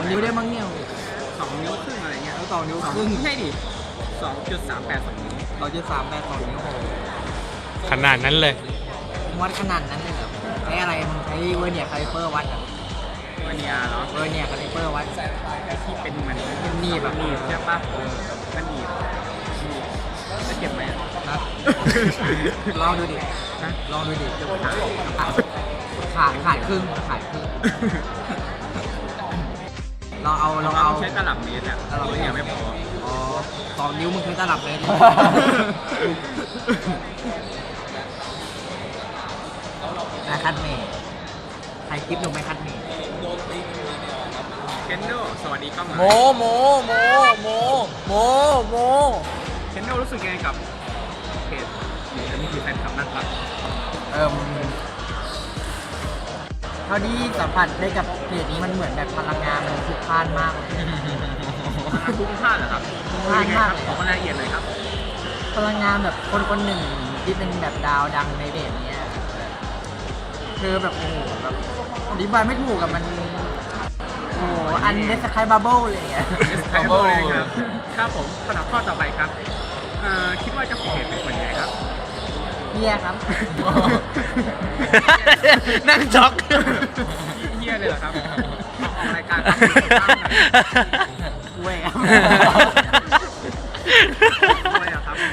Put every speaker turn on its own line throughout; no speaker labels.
2 นิ้วได้มั้งเนี่ย
2 นิ้วครึ่งอะไรเงี้ย
แล้ว2 นิ้วครึ่ง
ไม่ใช่ดิ2.382 นิ้ว
2.382 นิ้วโอ้โห
ขนาดนั้นเลย
วัดขนาดนั้นเลยเหรอใช้อะไรมึงใช้เวอร์เนียร์คาลิเปอร์วัดเหรอ
วันนี้เหรอ
เวอร์เนียร์คาลิเปอร์วัด
ที่เป็นเหมือน
หนีบอะ
หนีบใช่ปะมันหนีบจะเก็บไหม
นะลองดูดิ
นะ
ลองดูดิ
จะขาย
ขาดครึ่งขาดครึ่งเราเอา
ใช้ตลับเมตรอะตลับเมตรยังไม่พอ
อ๋อ2 นิ้วมึงใช้ตลับเลยนะคัดเมย์ใครคลิปหนูไม่คัดเมย์
เคนโดสวัสดีครับ
โมโมโมโมโมโม
เคนโดรู้สึกยังไงกับเพจหรือจะมีแฟนคลับนั่งครับ
เท่าที่สัมผัสได้กับเพจนี้มันเหมือนแบบพลังงานมันพลุกพล่านมากเลย
คุ้มค่าเหรอครับ
คุ้มค่ามาก
ขอรายละเอียดเลยครับ
พลังงานแบบคนหนึ่งที่เป็นแบบดาวดังในเพจเนี้ยคือแบบโอ้โหแบบอธิบายไม่ถูกกับมันโอ้โหอันเดสคายบับเบิ้ลเลยอ่ะ
ครับครับผมสำหรับข้อต่อไปครับคิดว่าเจ้าของเพจเป็นคนยังไงครับ
เฮียครับ
นั่งช็อก
เฮียเลยเหรอครับออกรายการ
เว้ยครับ
ด้วยเหรอครับ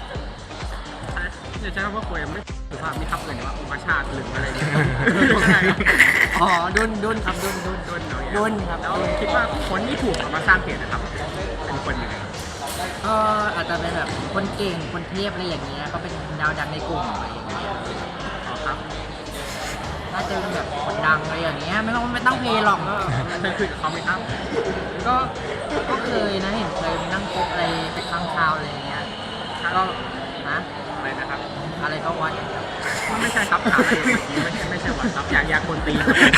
จะใช้คำว่าคุยไม่สุภาพไม่ทับเลยว่าอุปชาติหรืออะไรเนี่ย
อ๋อดุนครับดุน
ดุนครับแล้วคิดว่าคนที่ถูกเอามาสร้างเพจนะครับเป็นคนยังไง
ก็อาจจะเป็นแบบคนเก่งคนเทพอะไรอย่างเงี้ยก็เป็นดาวดังในกลุ่มอะไรอย่างเงี้ย
อ๋อครับ
น่าจะเป็นแบบคนดังอะไรอย่างเงี้ยไม่ต้องเพลย์หรอกก็
เคยคุยกับเขาไหมครับ
ก็ก็เคยนะเห็นเคยนั่งโต๊ะอะไรไปข้างคาวอะไรอย่างเงี้ยก็นะ
อะไรนะครับ
อะไรก็วัด
ไม่ใช่ครับถามอะไรไม่ใช่วันครับอยากคนตี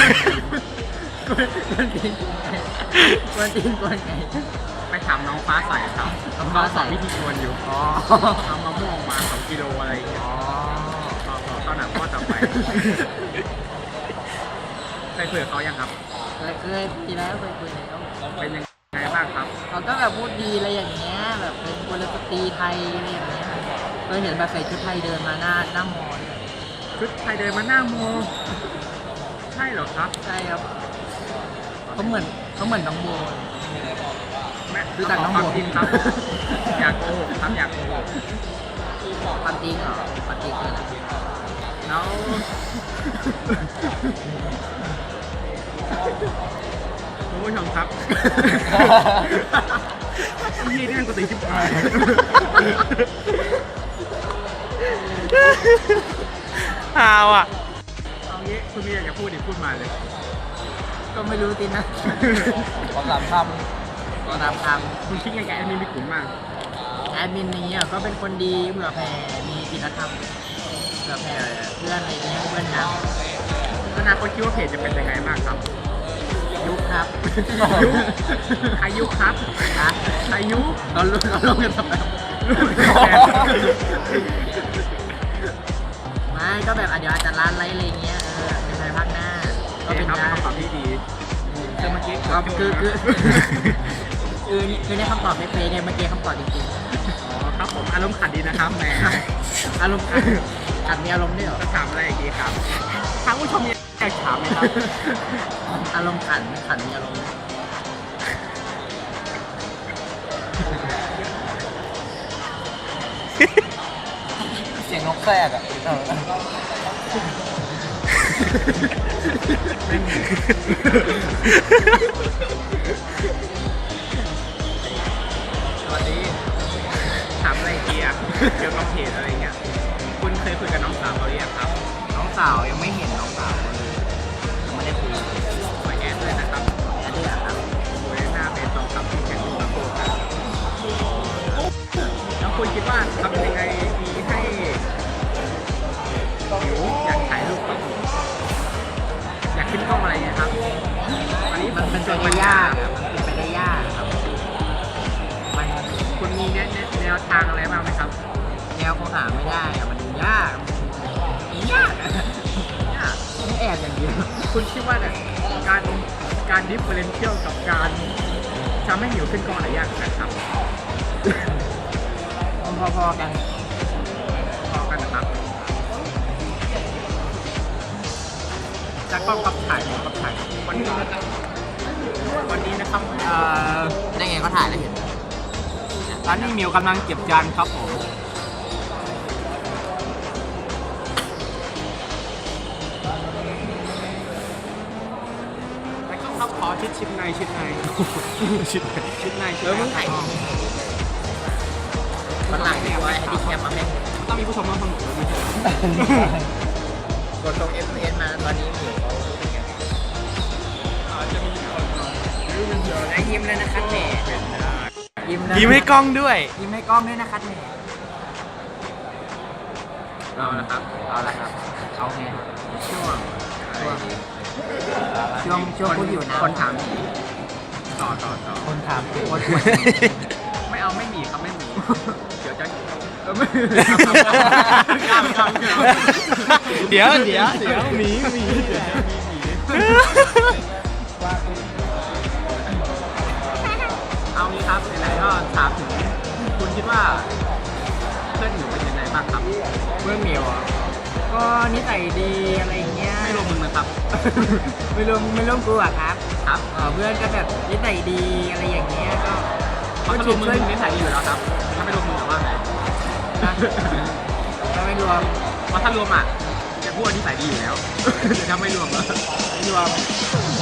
กวนตีนกวนไง
ไปถามน้องฟ้าใสครับ
น้องฟ้าใส
สอนวิธีชวนอยู่
อ๋อ
เอามะม่วงมา2 กิโลอะไรอย่างเงี้ย
อ๋อ
ตอนหนังข้อต่อไปเคยคุยกับเขายังครับ
เคยทีแล้วเคยคุยแล้ว
เป็นยังไงบ้างครับ
เขาก็แบบพูดดีอะไรอย่างเงี้ยแบบเป็นกุลสตรีไทยอะไรอย่างเงี้ยเคยเห็นแบบใส่ชุดไทยเดินมาหน้ามอเลย
ชุดไทยเดินมาหน้าโมใช่เหรอครับ
ใช่ครับเขาเหมือนน้องโบ
แม่
รู้จักน้องโบ
ความจริงครับ อยากโกหกครับอยากโกหก
ความจริงเหรอความจริงคืออะไร
แล้วคุณผู้ชมครับยี่นี่มันกูตีชิบหาย
เอาอ่ะ
เอางี้คุณมีอะไรจะพูดดิพูดมาเลย
ก็ไม่รู้สินะขอ3 คำ
คุณคิดยังไงอันนี้มีกลุ่มมาก
แอดมินนี้อ่ะก็เป็นคนดีเผื่อแผ่มีศีลธรรมเผื่อแผ่เพื่อนอะไรเงี้ยเพื่อนดัง
อนาคตคิดว่าเพจจะเป็นยังไงบ้างครับ
ยุคครับ
อายุครับ
นะ
อายุ
เราลงกันทำไมไม่ก็แบบเดี๋ยวอาจจะร้านไลฟ์อะไรเงี้ยในภายภาคหน้าก็
ก็
เป็
เป็น
นได้
คำตอบที่ดีคือเมื่อกี้
ก็คือในคำตอบไม่เป๊ะเนี่ยเมื่อกี้คำตอบจริง
อ๋อครับผมอารมณ์ขันดีนะครับแหม
ๆอารมณ์ขัดมีอารมณ์ด้วยเหรอ
จะถามอะไรอีกดีครับทางผู้ชมมีอยากถามไหมครับ
อารมณ์ขันมีอารมณ์ เสียงนกแทรกอ่ะ
สวัสดีถามอะไรอีกดีอ่ะเกี่ยวกับเพจอะไรเงี้ยคุณเคยคุยกับน้องสาวเขาหรือยังครับ
น้องสาวยังไม่เห็นน้องสาวเลยยังไม่ได้คุย
ขอแอดเลยนะครับ
แอดด้วยเหรอครับ
โดยหน้าเพจตรงกับที่แข่งขันโคกันแล้วคุณคิดว่าทำยังไงดีให้หิวอยากถ่ายรูปกับอยากขึ้นกล้องอะไรเงี้ยครับอันนี้
มันเป็นไปได้ยากอะมันเป็นไปได้ยากครับมัน
คุณมีแนวทางอะไรบ้างไหมครับ
แนวคงหาไม่ได้อะมันยากอะยากไม่แอบอย่างเดียว
คุณคิดว่าเนี่ยการการดิฟเฟอเรนเชียลกับการทำให้หิวขึ้นก้อนอะไรยากกว่ากันครับ
พอๆกัน
พอกันนะครับจากกล้องกับถ่ายกับถ่ายวันนี้นะครับ
ได้ไงเขาถ่ายแล้วเห็น
ตอนนี้มิวกำลังเก็บจานครับผมแล้วก็ครับขอชิดในชิดใน
มึงถ่ายมันหลังเนี่ยไว้ให้ดีแคมมาแม่ง
ต้องมีผู้ชมมาฟังหนูไม่ใช่
กดตรง FPS มาตอนนี้อยู่เขาเป็นไง
จะมีคน
ได้ยิ้มเลยนะครับแหมยิ้มเลย
ยิ้มให้กล้องด้วย
ยิ้มให้กล้องด้วยนะครับแหม
เอาละครับ
เอาละครับเอาไง
ช่วง
ช่วงพูดอยู่นะ
คนถามต่อ
คนถามโคตร
ไม่เอาไม่หนีครับไม่หนีเดี๋ยวจะไม่
เดี๋ยวหมี
เอางี้ครับไหนๆก็ถามถึงคุณคิดว่าเพื่อนหนูเป็นยังไงบ้างครับ
เพื่อนเหมียวอ่ะก็นิสัยดีอะไรเงี้ย
ไม่รวมมึงนะครับ
ไม่รวมกูอ่ะครับ
ครับ
เพื่อนก็แบบนิสัยดีอะไรอย่างเงี้ยก็
เพราะถ้ารวมมึงนิสัยดีอยู่แล้วครับถ้าไม่รวมมึงจะว่าไง
ก็ไม่รวม
เพราะถ้ารวมอ่ะจะพูดว่านิสัยดีอยู่แล้ว แต่ถ้าไม่รวมอะ
ไม่รวม